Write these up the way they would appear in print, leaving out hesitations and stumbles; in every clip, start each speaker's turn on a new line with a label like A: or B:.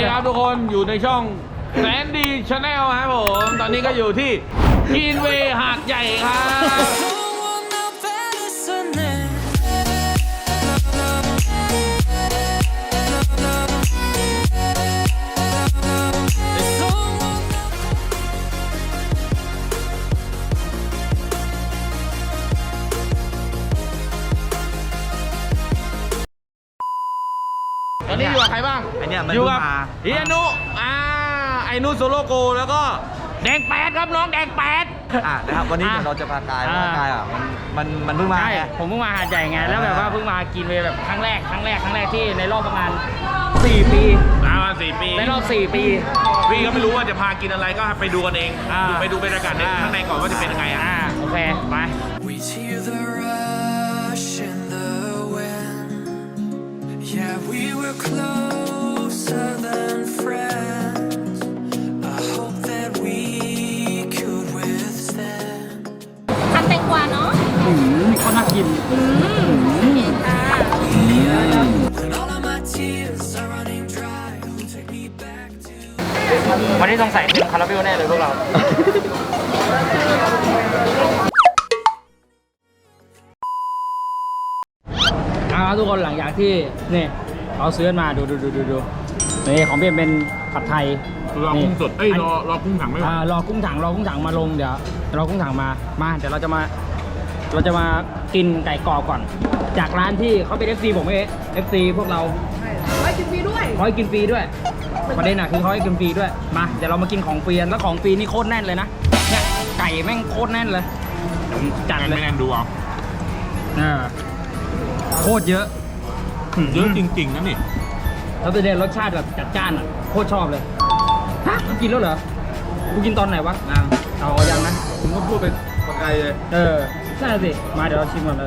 A: ดีครับทุกคนอยู่ในช่องแสนดีชาแนลครับผมตอนนี้ก็อยู่ที่กินเวย์หาดใหญ่ครับตอนนี้อยู่กับใครบ้างอยู่กับเฮียนุไอ้นุโซโลโกแล้วก็แดงแปดครับน้องแดงแปด
B: นะครับวันนี้เดี๋ยวเราจะพากายมันเพิ่งมาไง
C: ผมเพิ่งมาหาดใหญ่ไงแล้วแบบว่าเพิ่งมากินเวย์แบบครั้งแรกที่ในรอบประมาณ4 ปี
A: 4 ปี
C: ในรอบ4 ปี
A: พี่ก็ไม่รู้ว่าจะพากินอะไรก็ไปดูกันเองไปดูบรรยากาศในข้างในก่อนว่าจะเป็นยังไง
C: โอเคไป
D: Yeah, we were closer than friends. I hope that we could withstand.
E: ทำแตงกวาเนาะ
C: ก็น่ากิน
D: And all of my tears are running dry. Who'll take me back to?
C: วันนี้สงสัยเป็นคาราเบลแน่เลยพวกเราทุกคนหลังจากที่นี่เขาซื้อมาดูนี่ของเป็นผัดไทย
A: รอกุ้งสดรอกุ้งถังไม่ไหว
C: รอกุ้งถังมาลงเดี๋ยวรอกุ้งถังมาเดี๋ยวเราจะมากินไก่กรอบก่อนจากร้านที่เขาเป็น FC ผมเอง FC พวกเรา
E: เขาให้กินฟรีด้วย
C: ประเด็นคือเขาให้กินฟรีด้วยมาเดี๋ยวเรามากินของฟรีแล้วของฟรีนี่โคตรแน่นเลยนะเนี่ยไก่แม่งโคตรแน่นเลยจัดเลย
A: ไม่แน่นดูเอา
C: โคตรเยอะ
A: จริงๆนะนี่
C: แล้วประเด็นรสชาติแบบจัดจ้านอ่ะโคตรชอบเลยฮะกินแล้วเหรอกูกินตอนไหนวะเอายังนะ
A: ผมก็พูดไปไกลเลย
C: ใช่สิมาเดี๋ยวเราชิมก่อนเลย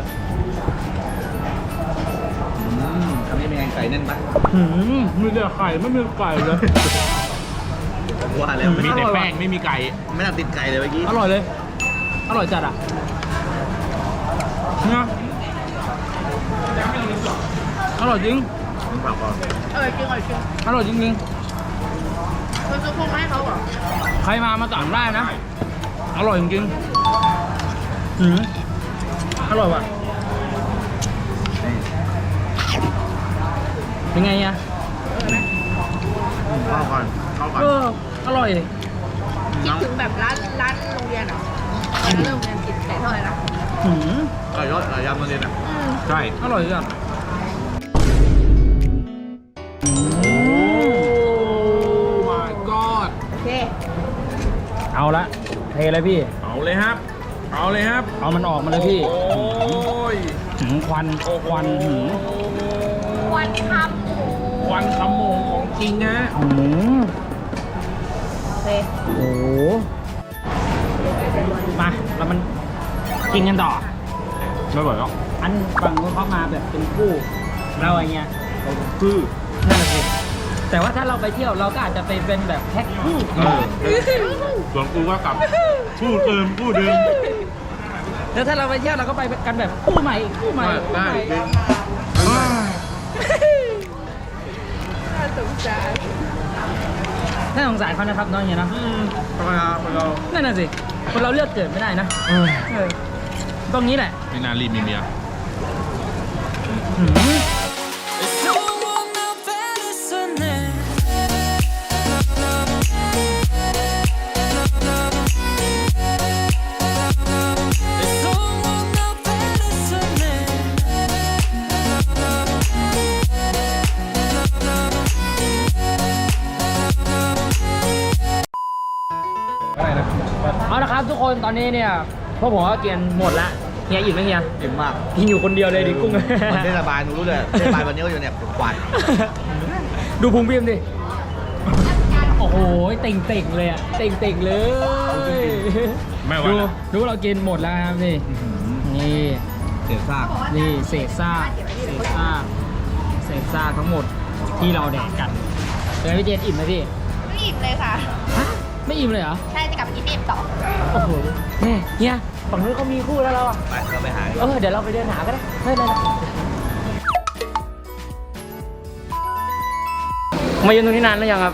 B: ทำให้เป็นไงไก่แน่นปะ
A: มีแต่ไข่ไม่มีไก่เลย
B: ว่าแล้ว
A: มีแต่แป้งไม่มีไก่
B: ไม่น่าติดไก่เลยเมื่อกี้
C: อร่อยเลยอร่อยจัดอ่ะนะอร่อยจริง
E: อร่อยจริง
C: อร่อยจริง
E: คุณจะพงให้เขาเหรอ
C: ใครมาสั่งได้นะอร่อยจริงอร่อยว่ะเป็นไงอ่ะ
B: เข้าก่อน
C: อร่อย
E: คิดถึงแบบร้านโรงเรียนเหรอโรงเรียนกินไก่ทอดเลยนะ
B: ไก่ยอดไก่ยำโรงเรียนอ่ะ
A: ใช่
C: อร่อยจัง
E: โอเค
C: เอาละเทเลยพี่
A: เอาเลยครับ
C: เอามันออกมาเลยพี่
A: โอ้ย
C: ควัน
E: ควัน
A: ขโมงของจริงนะ
E: โอเค
C: โอ้มาแล้วมันกินกันต่อ
A: ไม่ไหวแล้ว
C: อันฝั่งนู้นเขามาแบบเป็นคู่เราอะไรเงี้ย
A: คือ
C: นั่นสิแต่ว่าถ้าเราไปเที่ยวเราก็อาจจะไปเป็นแบบแพ็คคู่
A: ส่วนกูก็กลับคู่เดิม
C: แล้วถ้าเราไปเที่ยวเราก็ไปกันแบบคู่ใหม่
A: ได้
E: น่าสงส
C: ารเขานะครับน้องเนี่ยนะ
A: ธรรมดาคนเรา
C: นั่นน่ะสิคนเราเลือกเกิดไม่ได้นะตรงนี้แหละ
A: ไม่น่ารีบมีเมีย
C: เอาละครับทุกคนตอนนี้เนี่ยพวกผมก็กินหมดละเฮียอิ่มไหมเฮีย
B: อิ่มมาก
C: กินอยู่คนเดียวเลยดิกุ้ง
B: มันเทศบาลหนูรู้เลยเทศบาลวันนี้ก็อยู่เนี่ยกวาด
C: ดูพุงพิมดิโอ้โหเต่งเลยอ่ะเต่งเลย
A: ไม่ไหว
C: ดูเรากินหมดแล้วครับนี่
B: เศษซาก
C: นี่เศษซากทั้งหมดที่เราแดกกันเป็นพี่เจนอิ่มไหมพี่
E: ไม่อิ่มเลยค่ะ
C: ไม่อิ่มเลยเหรอ
E: ใช่จะกลับกินอิ่มต่อ
C: โอ้โหเนี่ยฝั่งนู้นเขามีคู่แล้วเราอ่ะ
B: ไปเราไปหา
C: เดี๋ยวเราไปเดินหาก็ได้ไม่เป็นไรมายืนตรงนี้นานแล้วยังครับ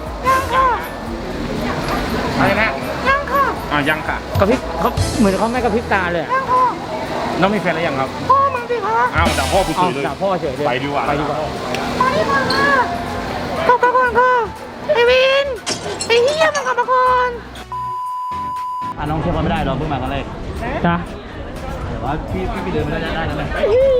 A: อะไรนะยังค่ะยังค่ะ
C: กระพริบเขาเหมือนเขาไม่กระพริบตาเลย
A: น้องมีแฟนแล้วยังครับพ่อมึงสิคะอ้าวด่าพ่อกูเฉ
C: เอา
A: ยเลย
C: ด่าพ่อเฉยเลย
A: ไปดีกว่า
C: ไปดีกว่า
E: กลับมาก่อนค่ะไอวินไอเฮียมันกลับมาก่อน
B: น้องเทียบกันไม่ได้เราเพิ่งมาครั้งแรก
C: จ้ะ
B: แต่ว่าพี่เดินไม่ได้แล้วไหม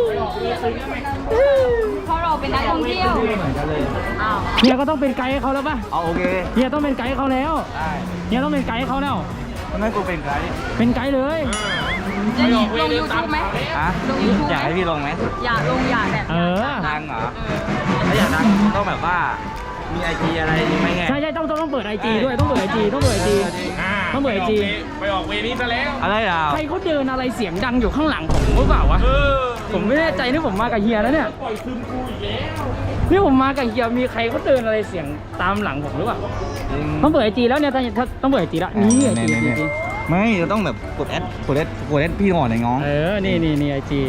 E: เพราะเราเป็นนักท่องเที่ยว
B: เหมือนกันเลย
C: เฮียก็ต้องเป็นไกด์ให้เขาแล้วป่ะ
B: เอาโอเค
C: เฮียต้องเป็นไกด์ให้เขาแล้ว
B: ได้
C: เฮียต้องเป็นไกด์ให้เขาแล้ว
B: ทำไมกูเป็นไกด์
C: เป็นไกด์เลย
E: จะลง YouTube ไหม
B: ฮะ
E: ลง YouTube
B: อยากให้พี่ลงไหม
E: อย่าลงอย่าแบบ
C: เออ
B: ดังเหรอถ้าอยากดังต้องแบบว่ามีไอจีอะไรไหมไง
C: ใช่ต้องเปิดไอจีด้วยต้องเปิดไอจีต้องเปิดไอจี ต้องเปิด IG
A: ไปออกเวนี้ซะแล้ว
B: อะไรอ่ะ
C: ใครเขาเดินอะไรเสียงดังอยู่ข้างหลังผมหรือเปล่าวะ ผมไม่แน่ใจนี่ผมมากับเฮียแล้วเนี่ยนี่ผมมากับเฮียมีใครเขาเดินอะไรเสียงตามหลังผมหรือเปล่า
B: จริง
C: ต้องเปิดไอจีแล้วเนี่ยถ้าต้องเปิดไอจีแล้วนี่ไอจี
B: เนี่ยไม่เราต้องแบบกดแอดพี่ก่อนไอ้น้อง
C: เออนี่ไอจี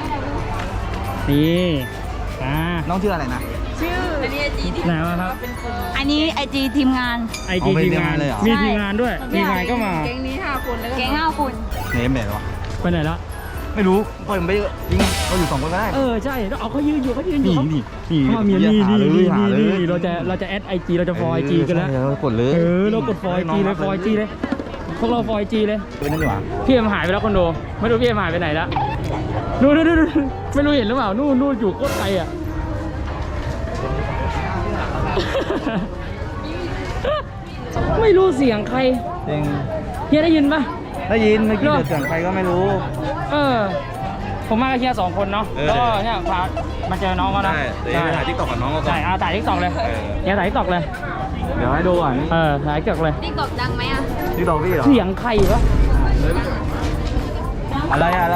C: นี่
B: น้องชื่ออะไรนะ
E: ชื่ออันนี้ไอจีที่
C: ไหนวะครับ
E: อันนี้ไอจีทีมงาน
C: ไอจีทีมงาน
B: เลยเหรอ
C: มีทีมงานด้วยทีมงานก็มา
E: แก๊งนี้5 คนแล้วก็แก๊ง5 คน
B: เนมแบบวะ
C: ไปไหนละ
B: ไม่รู้ปล่อยมันไปเยอะจริงเราอยู่2 คนก็ได้
C: เออใช่แล้วเอาเขายืนอยู่
B: นี่
C: เขามีนี่
B: หาเลย
C: เราจะแอดไอจีเราจะฟอไอจีกันแล้ว
B: เรากดเลย
C: เรากดฟอไอจีเลยฟอไอจีเลยพวกเราฟอไอจีเลย
B: เป็นนั่นดีกว่า
C: พี่เอ็มหายไปแล้วคอนโดไม่รู้พี่เอ็มหายไปไหนแล้วนู่นไม่รู้เห็นหรือเปล่านู่นอยู่โคตรไกลอ่ะ ไม่รู้เสียงใคร
B: จริง
C: เฮียได้ยินปะ
B: ได้ยินเมื่อกี้เสียงใครก็ไม่รู้
C: เออ ผมมากับเฮีย2 คนเนาะ
B: เออ
C: แล้วก็เนี่ยพามาเจอน้องเขานะ
B: เดี๋ยวไปถ่ายทิกตอกกับน้องก็ก่อ
C: ใช่
B: น
C: เอาถ่ายทิกตอกเลย
B: เออ
C: เฮียถ่ายทิกตอกเลย
B: เดี๋ยวให้ดูก่อน
C: ถ่ายทิกตอกเลย
E: ติ๊กตอกดังไหมอ่ะ
B: ทิกตอกพี่เหรอ
C: เสียงใครวะ
B: อะไรอะไร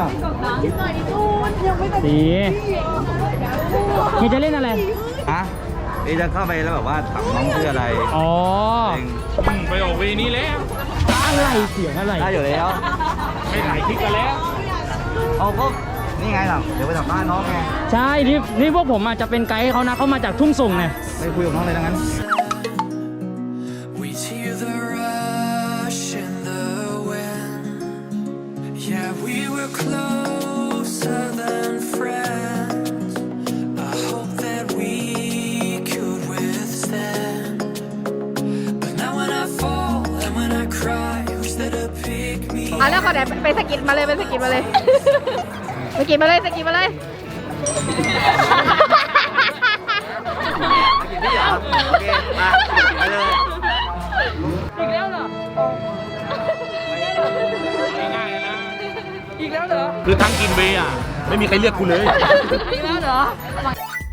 C: ดีเฮียจะเล่นอะไร
B: ฮะเอจะเข้าไปแล้วแบบว่าถามน้องชื่ออะไร
C: อ๋อ
B: จริง
A: ไปออกเวนี้แล้ว
C: อะไรเสียงอะไร
B: ได้อยู่แล้ว
A: ไม่ถ่ายคลิปกันแล้ว
B: เอาก็นี่ไงล่ะเดี๋ยวไปสัมภาษณ์น้องไง
C: ใช่นี่พวกผมอาจจะเป็นไกด์ให้เขานะเขามาจากทุ่งส่งเนี่ย
B: ไปคุยกับน้องเลยดังนั้น
D: We hear the rush in the wind. Yeah, we were closer than friends. I hope that we could withstand. But now when I fall and when I cry, who's there to pick me
E: เอาแล้วขอไหนไปสกิดมาเลยสกิดมาเลย สกิดมาเลย
B: พี่เหรอโอเคมาไปเลย
C: อีกแล้วเหรอ
A: คือทั้งกินเวย์อ่ะ ไม่มีใครเรียกกูเลย
E: อีกแล้วเหรอ